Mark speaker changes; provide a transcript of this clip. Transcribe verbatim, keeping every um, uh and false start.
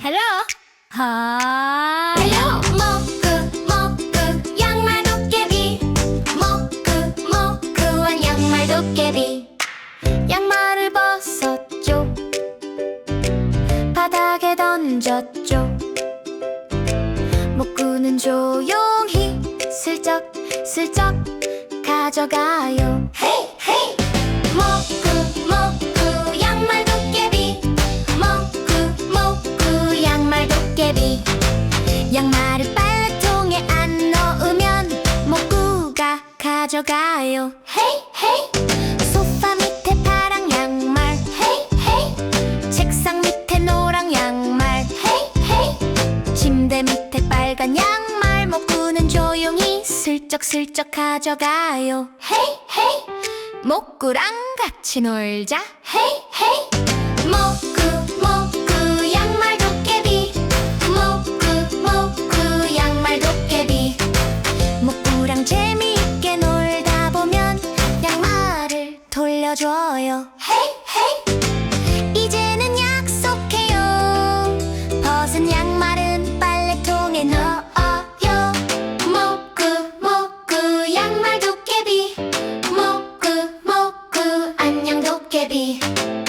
Speaker 1: 헬로 하이
Speaker 2: 헬로 모크 모크 양말 도깨비 모크 모크한 양말 도깨비 양말을 벗었죠. 바닥에 던졌죠. 모크는 조용히 슬쩍 슬쩍 가져가요. 헤이 헤이 모크 모크 양말 도깨비 모크 모크 양말 도깨비 양말을 빨래통에 안 넣으면 모쿠가 가져가요. 헤이 헤이 소파 밑에 파랑 양말 헤이 헤이 책상 밑에 노랑 양말 헤이 헤이 침대 밑에 빨간 양말 모쿠는 조용히 슬쩍슬쩍 가져가요. 헤이 헤이 모쿠랑 같이 놀자. 헤이 헤이 모쿠 모쿠 양말 도깨비 모쿠 모쿠 양말 도깨비 모쿠랑 재미있게 놀다 보면 양말을 돌려줘요. 헤이 헤이 이제는 약속해요. 벗은 양말은 빨래통에 넣어요. 모쿠 모쿠 양말 도깨비 모쿠 모쿠 안녕 도깨비